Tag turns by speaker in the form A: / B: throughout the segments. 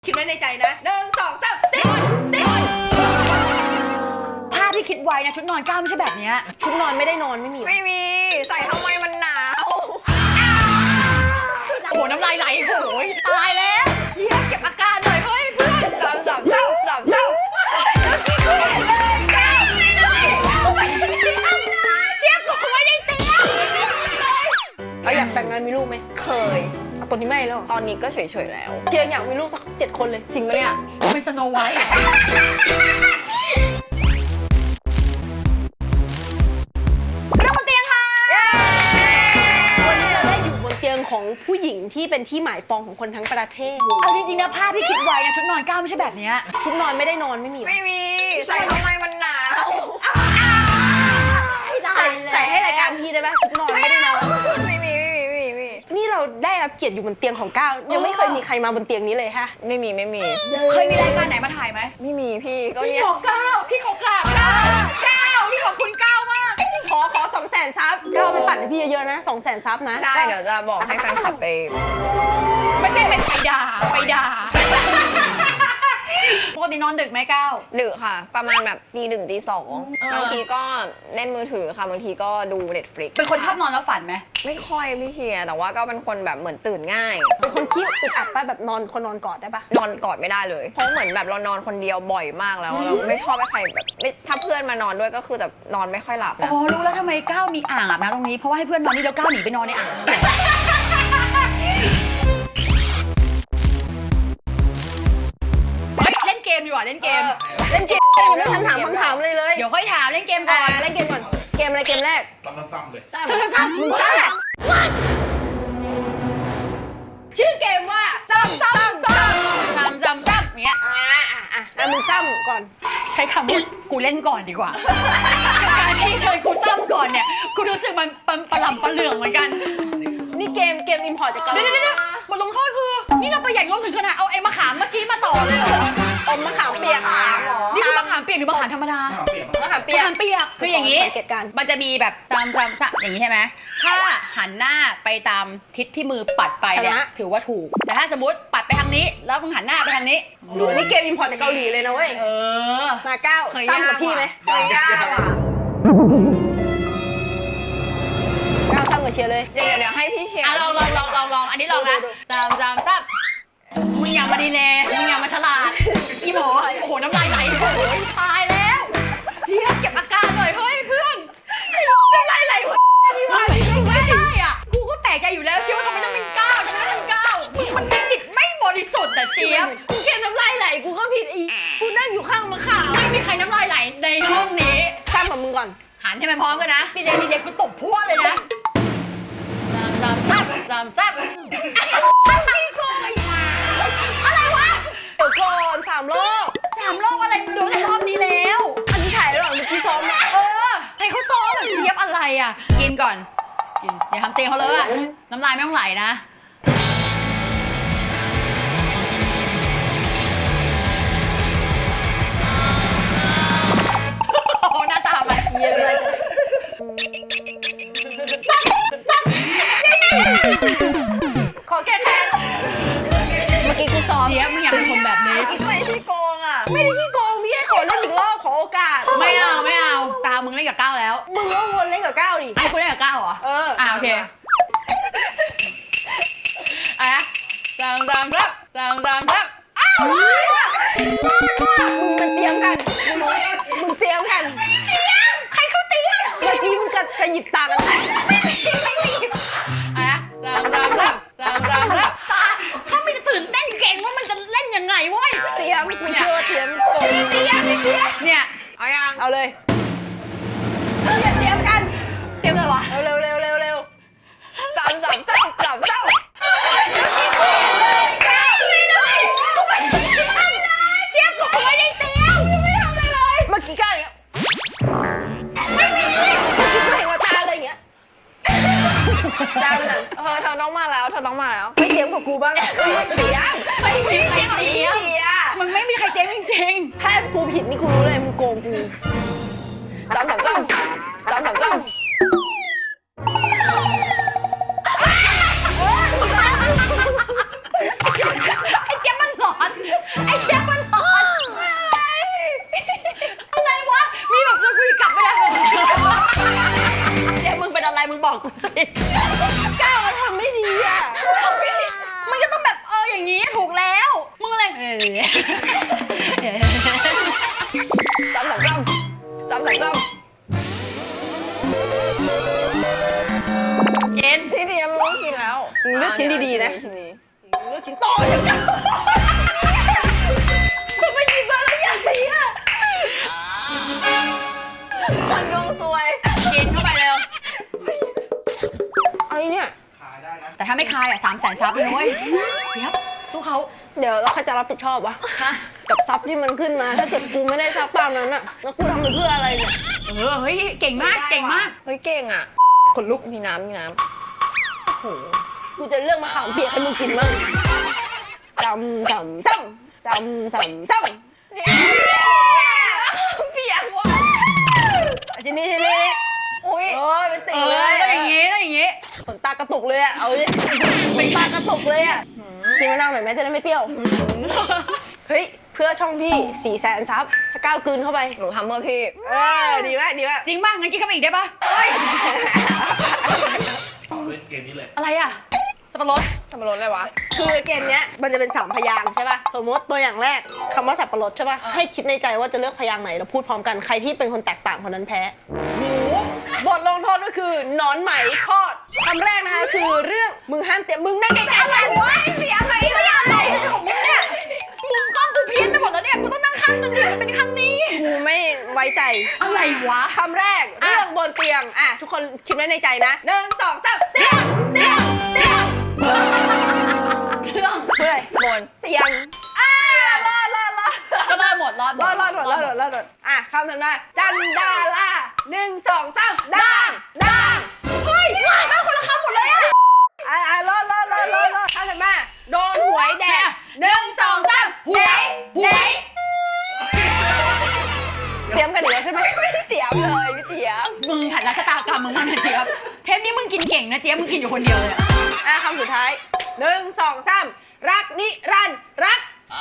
A: คิดไว้ในใจนะ1 2 3ติด
B: ภาพที่คิดไว้นะชุดนอนก้าวไม่ใช่แบบนี้
A: ชุดนอนไม่ได้นอนไม่มี
C: ใส่ทำไมมันหนาว
B: โอ้โหน้ำลายไหลโอ้ยตายแล้วเฮียเก็บอาการหน่อยเฮ้ยเพื่อน
C: สามเจ้า
B: เทียบกูไม่ได้เตี้ย
A: เราอยากแต่งงานมีลูกไหม
C: เคย
A: ตอนนี้ไม่แล้ว
C: ตอนนี้ก็เฉยๆแล้ว
A: เจียงอยากมีลูกสัก7 คนเลยจริงปะเนี่ย
B: เป็นสโนไวท์เรื่องบนเตียงค่ะ
A: วันนี้เราได้อยู่บนเตียงของผู้หญิงที่เป็นที่หมายปองของคนทั้งประเทศ
B: เอาจริงๆนะภาพที่คิดไว้นะชุดนอนก้าวไม่ใช่แบบนี้
A: ชุดนอนไม่ได้นอนไม่มี
C: ใส่ทำไมมันหนาว
A: ใส่ให้รายการพี่ได้ไหมชุดนอนไม่ได้นอน
C: ไม่มี
A: นี่เราได้รับเกียรติอยู่บนเตียงของก้าวยังไม่เคยมีใครมาบนเตียงนี้เลยฮะ
C: ไม่มี
B: เคยมีรายการไหนมาถ่ายไหม
C: ไม่มีพี่ก็
B: พี่
C: เนี่ย
B: ขอก้าวพี่ขอกราบก้าวพี่ขอบคุณก้าวมาก
A: ขอ200,000 ซับก้าวไปปั่นให้พี่เยอะๆนะ200,000 ซับนะ
C: ได้เดี๋ยวจะบอกให้แฟนคลับไป
B: ไม่ใช่เป็นไปด่าปกตินอนดึกไหมก้าว
C: ดึกค่ะประมาณแบบตี 1 ตี 2บางทีก็เล่นมือถือค่ะบางทีก็ดู Netflix
B: เป็นคนชอบนอนแล้วฝันไหม
C: ไม่ค่อยพี่เทียแต่ว่าก็เป็นคนแบบเหมือนตื่นง่าย
A: เป็นคนขี้อึดอัดป่ะแบบนอนคนนอนกอดได้ป่ะ
C: นอนกอดไม่ได้เลยเพราะเหมือนแบบเรานอนคนเดียวบ่อยมากแล้วเราไม่ชอบให้ใครแบบถ้าเพื่อนมานอนด้วยก็คือแบบนอนไม่ค่อยหลับ
B: อ๋อรู้แล้วทำไมก้าวมีอ่างอาบน้ำตรงนี้เพราะว่าให้เพื่อนนอนนี่แล้วก้าวหนีไปนอนในอ่างเล่นเกมดีกว่าเล่นเกม
A: เรื่องคำถามเลย
B: เดี๋ยวค่อยถามเล่นเกมก่อน
A: เล่นเกมก่อนเกมอะไรเกมแรก
D: ซ้ำเลย
B: ซ้ำ
A: ชื่อเกมว่าซ้ำ
B: เนี้ย
A: มึงซ้ำก่อน
B: ใช้คำว่ากูเล่นก่อนดีกว่าการที่เชิญกูซ้ำก่อนเนี่ยกูรู้สึกมันปลำปลาเหลืองเหมือนกัน
A: นี่เกมอิมพอร์ตจากเกาหลี
B: เดี๋ยวบทลงโทษคือนี่เราประหยัดงบถึงขนาดเอาไอ้มะขามเมื่อกี้มาต่อเลยเหรอ
A: อมมะขามเปียก
B: นี่คือมะขามเปียกหรือมะขามธรรมดามะขามเปียกคืออย่างนี้มันจะมีแบบซ้ำอย่างนี้ใช่ไหมถ้าหันหน้าไปตามทิศที่มือปัดไปเนี่ยถือว่าถูกแต่ถ้าสมมติปัดไปทางนี้แล้วมึงหันหน้าไปทางนี้
A: นี่เกมอิมพอร์ตจากเกาหลีเลยนะเว้ยมาก้าวซ้ำกับพี่ไหมก้าวซ้ำกับเชียร์เลย
C: เดี๋ยวให้พี่เชียร์
B: ลองอันนี้ลองนะซ้ำมึงอย่ามาดีเลยมึงอย่ามาฉลาดอีหมอโอ้โหน้ำลายไหลโอ้ยตายแล้วเทียบเก็บอาการหน่อยเฮ้ยเพื่อนน้ำลายไหลวะไม่ใช่อ่ะกูก็แปลกใจอยู่แล้วเชื่อว่าทำไมต้องเป็นก้าวมันจิตไม่บริสุทธิ์แต่เจี๊ยบ
A: กูเกมน้ำลายไหลกูก็ผิดอีกูนั่งอยู่ข้างมะขาม
B: ไม่มีใครน้ำลายไหลในห้องนี้
A: ซ้ำกับมึงก่อน
B: หันให้มันพร้อมกันนะดีเจกูตบพวกเลยนะซ้ำ
A: พี่โกงอะไรวะเดี๋ยวก่อน3 รอบ
B: อะไรดูแต่รอบนี้แล้ว
A: อันนี้ถ่ายแล้วหรอเมื่อกี้ซ้อม
B: ให้เขาซ้อมแบบเทียบอะไรอ่ะกินก่อนกินอย่าทำเตียงเขาเลยอ่ะน้ำลายไม่ต้องไหลนะโอ้หน้าตาไป
A: เย็นอะไรขอแก้แค้นเมื่อกี้กูซ้อม
B: เจี๊ยบมึงอยากเป็นคนแบบนี้
C: ไม่ที่โกงอ่ะ
A: ไม่ได้ที่โกงพี่แค่ขอเล่นอีกรอบขอโอกาส
B: ไม่เอาตามึงเล่นกับก้าวแล้ว
A: มึงก็วนเล่นกับก้าวดิ
B: ไอ้กูเล่นกับก้าวเหรอโอเคซ้ำ
A: มึงมันเตรียมกันมึงเตรียมกัน
B: ใครเขาเตรียม
A: เมื่อกี้มึงกระหยิบตากัน
B: ไม่หยิบเขาไม่จะตื่นเต้นเก่งว่ามันจะเล่นยังไงวะ
A: เตรียมกูเชื่อเตรียม
B: เนี่ย
A: เอาเลยเตรียมกัน
B: เตรียมเลยวะ
A: เร็ว
C: ซ้ำ
A: เมื่อกี้ก้าวอย่างเงี้ยไม่มีเมื่อกี้กูเห็นว่าตาอะไรอย่างเงี้ย
C: เธอต้องมาแล้ว
A: ไม่เตรียมกับกูบ้าง
B: ไม่มีใครเตรียมมึงไม่มีใครเตรียมจริง
A: ถ้ากูผิดนี่กูรู้เลยมึงโกงกู
C: ซ้ำ
B: ไอ้เจี๊ยบมันหลอนกิน
C: พี่เดียไม่ต้องกินแล้ว
A: เลือกชิ้นดีๆนะ
C: ชิ้นนี้
A: เลือกชิ้นต่อเดี๋ยวกันทำไมหยิบมาแล้วใหญ่อะ
C: คนดวงซวย
B: กินเข้าไปเร็ว
A: อะไรเนี่ย
B: แต่ถ้าไม่คายอ่ะ300,000 ซับเลยนะเว้ยเจี๊ยบสู้เขา
A: เดี๋ยวเราใครจะรับผิดชอบวะกับซับที่มันขึ้นมา ถ้าเกิดกูไม่ได้ซับตามนั้นอะแล้วกูทำไปเพื่ออะไรเนี่ย
B: เฮ้ยเก่งมากเก่งมาก
C: เฮ้ยเก่งอ่ะ
A: ขนลุก
C: มีน้ำมีน้
A: กูจะเลือกมะขามเปียกให้มึงกินมั่งจำจำจำจำจำจำ
C: ำเปียกว่ะ
A: ชิ้นนี้
C: อุ้ย
A: โอ้ยเป็นติ่งเลย
B: ต้องอย่างงี้ต้องอย่างงี้
A: ขนตากระตุกเลยอะเอาดิขนตากระตุกเลยอะกินมะนาวหน่อยไหมจะได้ไม่เปรี้ยวเฮ้ยเพื่อช่องพี่400,000 ซับถ้าก้าวกลืนเข้าไป
C: หนูทำเพื่อพี่
A: ดีมากดีมาก
B: จริงป่ะงั้นกินเข้าไปอีกได้ป่ะ
D: ต่อด้วยเกมนี้เลย
B: อะไรอ่ะสับปะรด
C: ทำรสอะไรวะ
A: คือเกมเนี้ยมันจะเป็น3 พยางค์ใช่ป่ะสมมติตัวอย่างแรกคำว่าสับปะรดใช่ป่ะให้คิดในใจว่าจะเลือกพยางค์ไหนแล้วพูดพร้อมกันใครที่เป็นคนแตกต่างคนนั้นแพ้บทลงโทษก็คือหนอนไหมทอดคำแรกนะคะคือเรื่องมึงห้ามเตรียมมึงนั่งไกลๆกันวะเสียอะไรเนี่ยอะไรของมึงเนี่ย
B: มุมกล้องกูเพี้ยนไปหมดแล้วเนี่ยกูต้องนั่งข้างนึงดิมันเป็นข้างนี้
A: กูไม่ไว้ใจ
B: อะไรวะ
A: คำแรกเรื่องบนเตียงอ่ะทุกคนคิดไว้ในใจนะ1 2 3เตียงเตียงเตียง
B: เครื่อง
A: เพื่ออะไร
C: บน
A: เตียงรอด
B: ก็รอดหมดรอดหมด
A: รอดอ่ะคำถัดมาจันดารา1 2 3ด่างเฮ้ยมาคนละคำหมดเลยอ่ะรอดคำถัดมาโดนหวยแดก1 2 3หวยเตรียมกันอีกแล้วใช่ไหม
C: ไม่ได้เตรียมเลยพี่เจี๊ยบ
B: มึงหัดรัชะตากรรมมึงมาหน่อยเจี๊ยบเทปนี้มึงกินเก่งนะเจี๊ยบมึงกินอยู่คนเดียวเลยอะ
A: อ่ะคำสุดท้าย1 2 3รักนิรันดร์รัก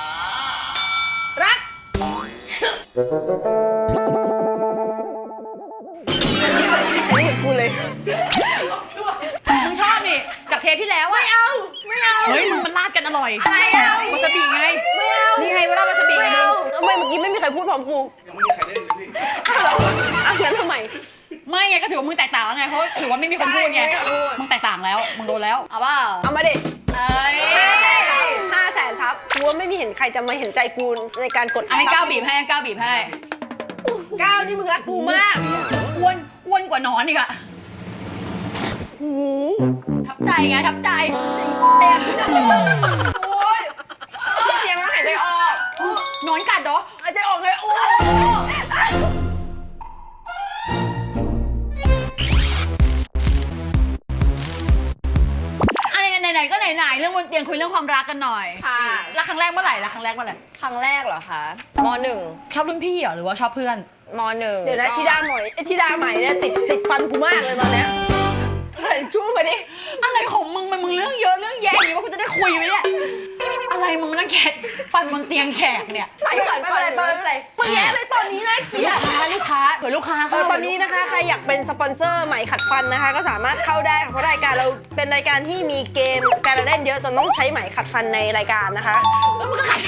A: อันนี้เหมือนกูเลย
B: มึงชอบนี่จากเทปที่แล้วอะ
A: ไม่เอา
B: เฮ้ยมึงมันราดกันอร่อย
A: ไม่เอา
B: วาซาบิไง
A: ไม่เอา
B: นี่ไงว่าราดวาซาบิ
A: ไม่
B: ไง
A: เอาทำไมเมื่อกี้ไม่มีใครพูดพร้อมกู
D: ยังไม่มีใครได้เลยพี่
A: อ่ะงั้นทำไม
B: ไม่ไงก็ถือว่ามึงแตกต่างแล้วไงเพราะถือว่าไม่มีคนพูดไง
A: ใช่ไม่มีคนพูด
B: มึงแตกต่างแล้วมึงโดนแล้วเอาเปล่า
A: เอามาดิ
B: เอ้ย
A: 500,000 ซับกูว่าไม่มีเห็นใครจะมาเห็นใจกูในการกด
B: อันนี้
A: ซั
B: ก้าวบีบให้ก้าวบีบให้
A: ก้าวนี่มึงรักกูมาก
B: อ้วนกว่านอนอีกอะทับใจไงทับใจเต็มโอ้ย
C: พี่เจี๊ยบต้องหายใจออก
B: นอนกัดเหรอ
A: หายใจออกเลยโอ้
B: อะไรไหนๆก็ไหนๆเรื่องบนเตียงคุยเรื่องความรักกันหน่อย
C: ค่ะ
B: รักครั้งแรกเมื่อไหร่รักครั้งแรกเมื่อไหร่
C: ครั้งแรกเหรอคะมหนึ่ง
B: ชอบรุ่นพี่เหรอหรือว่าชอบเพื่อน
C: มหนึ่ง
A: เดี๋ยวนะชิดาใหม่ชิดาใหม่เนี่ยติดฟันกูมากเลยตอนเนี้ยช่วงไปดิ
B: อะไรของมึงมันมึงเรื่องเยอะเรื่องแย่อย่างนี้ว่ากูจะได้คุยไหมเนี่ยอะไรมึงมานั่งแขกฟันบนเตียงแขกเนี่ย
A: ไม่เป็นไรมึงแย่เลยตอนนี้นะเกลียด
B: ลูกค้าเผื่อลูกค้าเข้า
A: ตอนนี้นะคะใครอยากเป็นสปอนเซอร์ไหมขัดฟันนะคะ ก็สามารถเข้าได้ค่ะเพราะรายการเราเป็นรายการที่มีเกมการเล่นเยอะจนต้องใช้ไหมขัดฟันในรายการนะคะ
B: แล้วมึงก็ขัด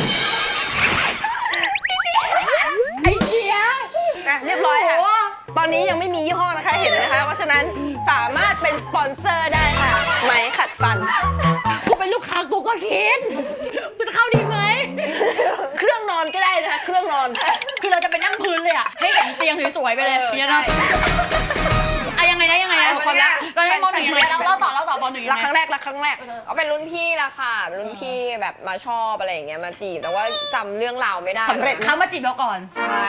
B: ไอ้เหี้ย
A: อ่ะเรียบร้อยค่ะ ตอนนี้ยังไม่มียี่ห้อนะคะเห็นนะคะ เพราะฉะนั้นสามารถเป็นสปอนเซอร์ได้ค่ะไหมขัดฟัน
B: กูเป็นลูกค้ากูก็คิดกูจะเข้าดีไหม
A: เครื่องนอนก็ได้นะคะเครื่องนอน
B: คือเราจะไปนั่งพื้นเลยอ่ะให้เห็นเตียงสวยๆไปเลย
A: เออ
B: เนี่ยนะอะยังไงนะความรักตอนนี้ม.1ยังไงเล่าต่อป.1ยัง
A: รัก
B: ไง
A: ครั้งแรก
C: ก็เป็นรุ่นพี่ละค่ะเป็นรุ่นพี่แบบมาชอบอะไรอย่างเงี้ยมาจีบแต่ว่าจำเรื่องราวไม่ได้
A: สำเร็จ
B: เขามาจีบเราก่อน
C: ใช่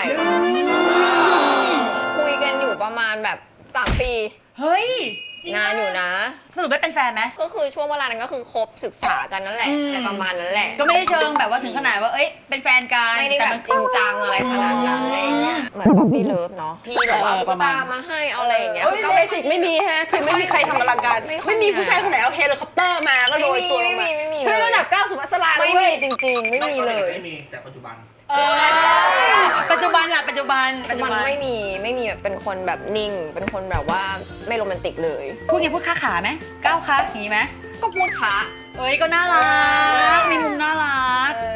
C: คุยกันอยู่ประมาณแบบ3 ปี
B: เฮ้ยจริง
C: นานอยู่นะ
B: สรุปได้เป็นแฟนไหม
C: ก็คือช่วงเวลานั้นก็คือคบศึกษากันนั่นแหละ
B: อืม
C: อะไรประมาณนั้นแหละ
B: ก็ไม่ได้เชิงแบบว่าถึงขนาดว่าเอ้ยเป็นแฟนกัน
C: ไม่ได้แบบ
B: ต่น
C: จริงจังอะไรขนาดนั้นอะไรอย่างเงี้ยเหมือนป๊อปปี้เลิฟเนาะพี่แบบว่าเอาตุ๊กตามาให้เอาอะไรอย่างเงี้ย
A: เฮ้ย
C: ก็
A: เบสิกไม่มีฮะคือไม่มีใครทำอลังการ ไม่มีผู้ชายคนไหนเอาเฮลิคอปเตอร์มาก็โรยตัวลงมา
C: ไม่มี
A: เฮ้ยระดับ9สุภัสรา
C: ไม่
A: เว้
C: มี
A: ย
C: จริงๆ ไม่มีเลย
D: ไม่มีแต่ปัจจุบัน
B: ปัจจุบันล่ะปัจจุบัน
C: มันไม่มีแบบเป็นคนแบบนิ่ง เป็นคนแบบว่าไม่โรแมนติกเลย
B: พูดไงพูดค้าขาไหมก้าวค้าอย่างนี้ไหม
C: ก็พูดคะ
B: เอ้ยก็น่ารักมีมุมน่ารัก
C: แต่ว่าเป็น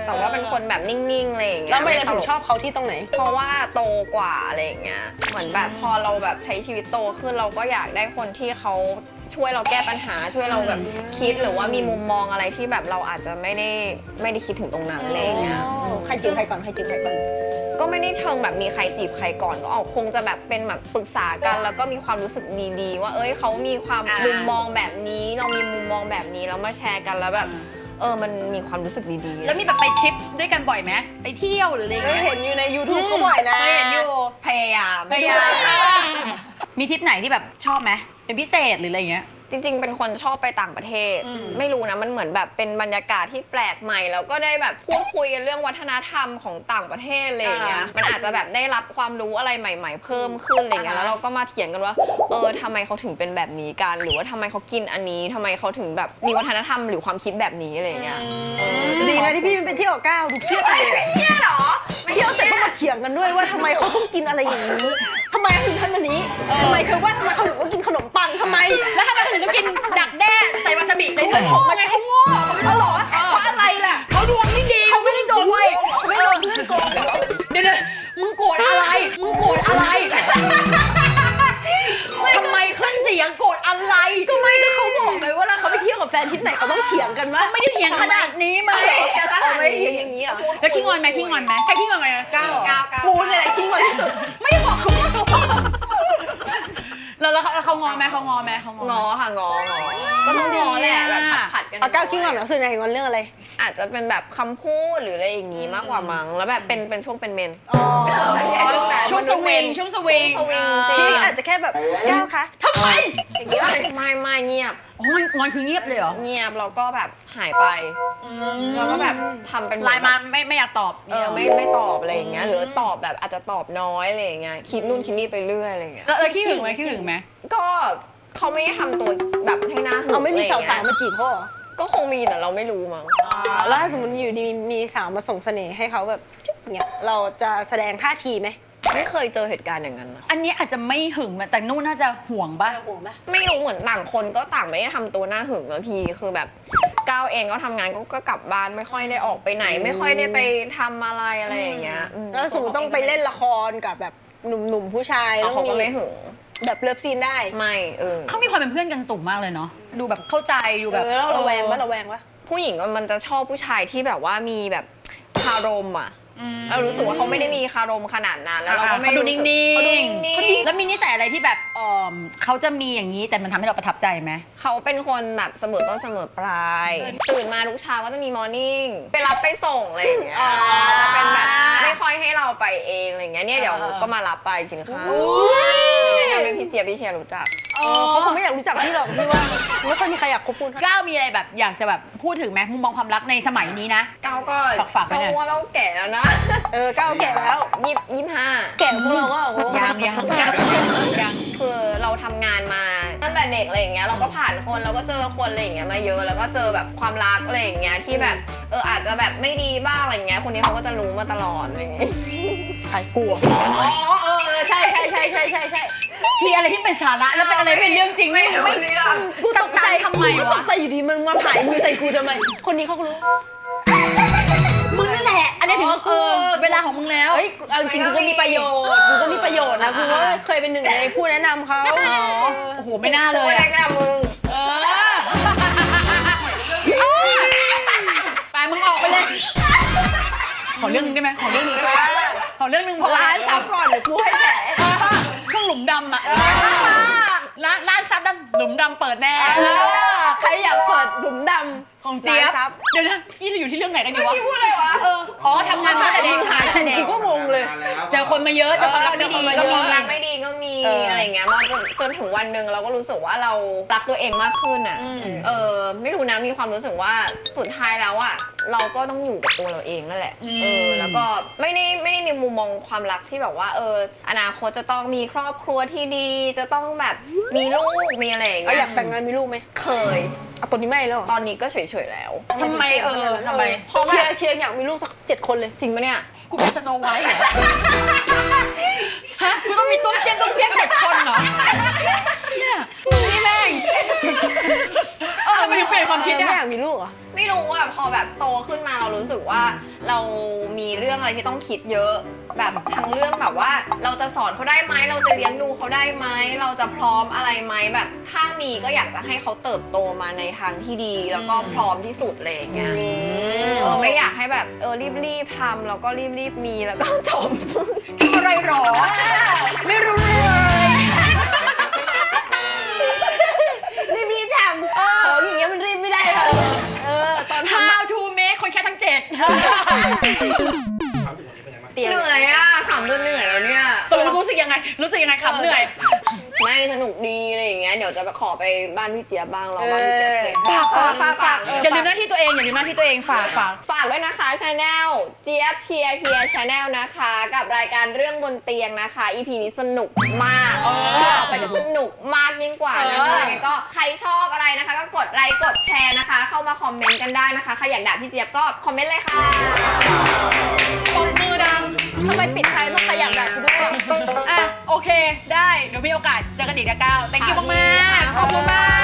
C: คนแบบนิ่งๆอะไรอย่างเงี้ย
A: แล้วทำไมเรา
C: ต
A: ถึ
C: ล
A: ง
C: ก
A: ชอบเขาที่ตรงไหน
C: เพราะว่าโตกว่าอะไรอย่างเงี้ยเหมือนแบบพอเราแบบใช้ชีวิตโตขึ้นเราก็อยากได้คนที่เขาช่วยเราแก้ปัญหาช่วยเราแบบคิดหรือว่ามีมุมมองอะไรที่แบบเราอาจจะไม่ได้คิดถึงตรงนั้นอะไรอย่างเงี้ย
A: ใครจีบใครก่อนใครจีบใครก่อน
C: ก็ไม่ได้เชิงแบบมีใครจีบใครก่อนก็คงจะแบบเป็นแบบปรึกษากันแล้วก็มีความรู้สึกดีๆ ว่าเขามีความมุมมองแบบนี้เรามีมุมมองแบบนี้แล้วมาแชร์กันแล้วแบบมันมีความรู้สึกดีๆ
B: แล้วมีแบบไปทริปด้วยกันบ่อยไหมไปเที่ยวหรืออะไร
A: ก็
B: เงี้ย
A: เห็นอยู่ใน YouTube เขาบ่อยนะ
B: เคยเห็นอยู่
C: พยายาม
B: ไปดูมีทริปไหนที่แบบชอบไหมเป็นพิเศษหรืออะไรเงี้ย
C: จริงๆ เป็นคนชอบไปต่างประเทศ ไม่รู้นะ มันเหมือนแบบเป็นบรรยากาศที่แปลกใหม่ แล้วก็ได้แบบพูดคุยกันเรื่องวัฒนธรรมของต่างประเทศอะไรอย่างเงี้ย มันอาจจะแบบได้รับความรู้อะไรใหม่ ๆ เพิ่มขึ้นอะไรเงี้ย แล้วเราก็มาเถียงกันว่า ทำไมเขาถึงเป็นแบบนี้กัน หรือว่าทำไมเขากินอันนี้ทำไมเขาถึงแบบมีวัฒนธรรมหรือความคิดแบบนี้อะไรเงี้ย
A: ดีนะที่พี่มันไปเที่ยวกับก้าวดูเครียดเลยเครียดหรอเที่ยวเสร็จต้องมาเถียงกันด้วยว่าทำไมเขาต้องกินอะไรอย่างนี้ทำไมเขาถึงทำแบบนี้ทำไมเธอว่าทำไมเขาถึงต้องกินขนมปังทำไม
B: แล้วทำไมถึงต้องกินดักแด้ใส่วาซาบิในเธอโทษไงเขาโง่
A: เขาหรอเพราะอะไรล่ะ
B: เขาดวงไม่ดี
A: เขาไม่ได้โดน
B: ซวย
A: เขาไม่ได้โดนเพื่อนโกงเหรอ
B: เดี๋ยวมึงโกรธอะไรมึงโกรธอะไรทำไมขึ้นเสียงโกรธอะไร
A: ก็ไม่ก็เขาบอกไงว่าแล้วเขาไปเที่ยวกับแฟนทริปไหนเขาต้องเถียงกันว่า
B: ไม่ได้เถียงขนาดนี้มั้ย
A: ไม่ได้เถียงอย่างนี้อ่ะ
B: แล้วขี้งอนไหมขี้งอนไหมใครขี้งอนไหมก้าว
A: กูเนี่ยแหละคิดว่าที่สุด
B: ไม่ได้บอกเขาว่าแล้วเขางอไหมเขางอไหมเขาง
C: งอค่ะงอก็ต้องงอแหละแบบผัดๆกัน
A: เอาก้าวคิดก่อนเหรอส่วนใหญ่งอนเรื่องอะไร
C: อาจจะเป็นแบบคำพูดหรืออะไรอย่างงี้มากกว่ามั้งแล้วแบบเป็นช่วงเป็นเมน
B: ช่วงสวิงช่วงสวิง
C: สวิงจริง
A: พี่อาจจะแค่แบบก้าวคะทำไมอย่างนี้ป่ะ
C: ไม่เงียบ
B: อ๋องอนคือเงียบเลยเหรอ
C: เงียบแล้วก็แบบหายไปแล้วก็แบบทำเป็นเห
B: ไล
C: อน
B: น์มาไม่อยากตอบ
C: ไม่ตอบอะไรอย่างเงี้ยหรือตอบแบบอาจจะตอบน้อยอะไรอย่างเงี้ยคิดนู่นคิดนี่ไปเรื่อยอะไรอย่างเงี้ย
B: ขี้หึงไหมขี้หึงไหม
C: ก็เขาไม่ได้ทำตัวแบบให้หน้าหึง
A: เอาไม่มีสาว
C: อะไรอย่ง
A: ๆ
C: เงี้
A: มาย จีบเขาเหรอ
C: ก็คงมีแต่เราไม่รู้มั้ง
A: แล้วถ้าสมมติอยู่ดีมีสาวมาส่งเสน่ห์ให้เขาแบบจุ๊บเนี่ยเราจะแสดงท่าทีไหม
C: ไม่เคยเจอเหตุการณ์อย่างนั้นนะ
B: อันนี้อาจจะไม่หึงแต่นู่นน่าจะห่วงป่ะ
A: ห่วงไหม
C: ไม่รู้เหมือนต่างคนก็ต่างไม่ได้ทำตัวหน้าหึงนะพี่คือแบบก้าวเองก็ทำงานก็กลับบ้านไม่ค่อยได้ออกไปไหน ไม่ค่อยได้ไปทำอะไรอย่างเงี้ย
A: แล้วสมมติต้องไปเล่นละครกับแบบหนุ่มๆผู้ชาย
C: แล้วเขาก็ไม่หึง
A: แบบเลิฟซีนได้
C: ไม่
B: เขามีความเป็นเพื่อนกันสูงมากเลยเนาะดูแบบเข้าใจดูแบบ
A: แล้วระแวงปะระแวงปะ
C: ผู้หญิงมันจะชอบผู้ชายที่แบบว่ามีแบบคารมอ่ะเรารู้สึกว่าเขาไม่ได้มีคารมขนาดนั้นแล้วเราก็ไม่
B: เขาดู
C: รู้
B: นิ่
C: สึ
B: ง
C: ก
B: ๆ
C: เขาดูนิ่ง
B: แล้วมีนิสัยอะไรที่แบบเขาจะมีอย่างนี้แต่มันทำให้เราประทับใจไหม
C: ๆเขาเป็นคนแบบเสมอต้นเสมอปลายตื่นมาทุกเช้าก็จะมีมอร์นิ่งไปรับไปส่งอะไรอย่างเงี้ยจะเป็นแบบไม่ค่อยให้เราไปเองอะไรเงี้ยเนี่ยเดี๋ยวก็มารับไปกินข้าวแนะนำให้พี่เจี๊ยบพี่เชียร์รู้จัก
A: เขาคงไม่อยากรู้จักพี่หรอกพี่ว่าไม่ค่อยมีใครอยากคบคุณ
B: ก้าวมีอะไรแบบอยากจะแบบพูดถึงไหมมุมมองความรักในสมัยนี้นะ
C: ก้าวก็
B: ฝากไว้หน่อย
C: ว่าเราแก่แล้วนะ
A: ก้าวแก่แล้ว
C: 25
A: แก่พวกเราก็โอ้โห
B: ยัง
C: คือเราทำงานมาตั้งแต่เด็กอะไรอย่างเงี้ยเราก็ผ่านคนเราก็เจอคนอะไรอย่างเงี้ยมาเยอะแล้วก็เจอแบบความรักอะไรอย่างเงี้ยที่แบบอาจจะแบบไม่ดีบ้างอะไรอย่างเงี้ยคนนี้เขาก็จะรู้มาตลอดอะไรอย่างเงี้ย
A: ใครกลัวใช่
B: ที่อะไรที่เป็นสาระแล้วเป็นอะไรเป็นเรื่องจริงไม่รู้
A: กูตกใจ
B: ทำไม
A: กูต
B: วะ
A: กใจอยู่ดีมันมาผายมือใส่กูทำไมคนนี้เขาก็รู้
B: มึงนั่นแหละอันนี้ถึงเวลาของมึงแล้ว
A: เฮ้ยเอาจริงกูก็มีประโยชน์กูก็มีประโยชน์นะกูก็เคยเป็นหนึ่งในผู้แนะนำเขา
B: โอ้โหไม่น่าเลย
C: แรกนะมึง
B: ไปมึงออกไปเลยขอเรื่องนึงได้ไหมขอเรื่องนึงพอ
A: ร้านซับก่อนเดี๋ยวกูให้แฉ
B: เครื่องหลุมดำอะร้านซับดำหลุมดำเปิดแน่
A: ใครอยากเปิดหลุมดำ
B: ของเจี๊ยบ
A: ร้านซับ
B: เดี๋ยวนะนี่เราอยู่ที่เรื่องไหนกันอยู่วะ
C: พี่พูดอะไรวะ
B: อ๋อทำงานมาตั้งแต่เด็ก
A: กูก็งงเลย
B: เจอคนมาเยอะเจอคนรักไม่ดี
C: ก็
B: ก็
C: มี
B: มี
C: รักไม่ดีก็มีอะไรอย่างเงี้ยมาจนถึงวันหนึ่งเราก็รู้สึกว่าเรารักตัวเองมากขึ้นอ่ะไม่รู้นะมีความรู้สึกว่าสุดท้ายแล้วอ่ะเราก็ต้องอยู่กับตัวเราเองนั่นแหละแล้วก็ไม่ได้มีมุมมองความรักที่แบบว่าอนาคตจะต้องมีครอบครัวที่ดีจะต้องแบบมีลูกมีอะไรอย่าง
A: เอา
C: เงี้
A: อย ยากแต่งงานมีลูกไหม
C: เคย
A: เอาตัวนี้ไม่แล้วเหรอ
C: ตอนนี้ก็เฉยๆแล้ว
B: ทำไมทำไม
A: เพราะเชียร์อยากมีลูกสัก7 คนเลย
C: จริงปะเนี่ย
B: กูเป็นสโนไวท์เหรอฮะกูต้องมีต้นเจี๊ยบ7 คนเหรอเนี่ยนี่แม่งทำไมถึงเปลี่ยนความคิด
A: ไม่
B: อ่ะ
A: อยากมีลูกเหรอ
C: ไม่รู้อ่ะพอแบบโตขึ้นมาเรารู้สึกว่าเรามีเรื่องอะไรที่ต้องคิดเยอะ แบบทั้งเรื่องแบบว่าเราจะสอนเขาได้ไหมเราจะเลี้ยงดูเขาได้ไหมเราจะพร้อมอะไรไหมแบบถ้ามีก็อยากจะให้เขาเติบโตมาในทางที่ดีแล้วก็พร้อมที่สุดเลยอย่างเงี้ยไม่อยากให้แบบรีบทำแล้วก็รีบมีแล้วก็จบ
B: ทำอะไรหรอ ไม่รู้เลย
A: รีบทำของอย่างเงี้ยมันรีบไม่ได้เลยตอนทำ
B: How to make คนแค่ทั้ง7
D: ความรู้สึกวันนี้เป็นไงบ้าง
C: เหนื่อยอ่ะขำจนเหนื่อยแล้วเนี่ย
B: ตกลงรู้สึกยังไงขำเหนื่อย
C: ไม่สนุกดีอะไรอย่างเงี้ยเดี๋ยวจะไปขอไปบ้านพี่เจี๊ยบบ้างรอบ้านพี่เจี๊ยบเสร็จ
B: ฝากอย่าลืมหน้าที่ตัวเองฝาก
C: ฝากด้วยนะคะชาแนลเจี๊ยบเชียร์เฮียชาแนลนะคะกับรายการเรื่องบนเตียงนะคะ EP นี้สนุกมากต่อไปจะสนุกมากยิ่งกว่านะคะยังไงก็ใครชอบอะไรนะคะ ก็กดไลค์กดแชร์นะคะ เข้ามาคอมเมนต์กันได้นะคะใครอยากด่าพี่เจี๊ยบก็คอมเมนต์เลยค่ะ
B: ปรบมือดัง
A: ทำไมปิดท้ายต้องขยับแบบกูด้วย
B: อ่ะโอเคได้เดี๋ยวมีโอกาสเจอกันอีกนะก้าว thank you มากๆขอบคุณมาก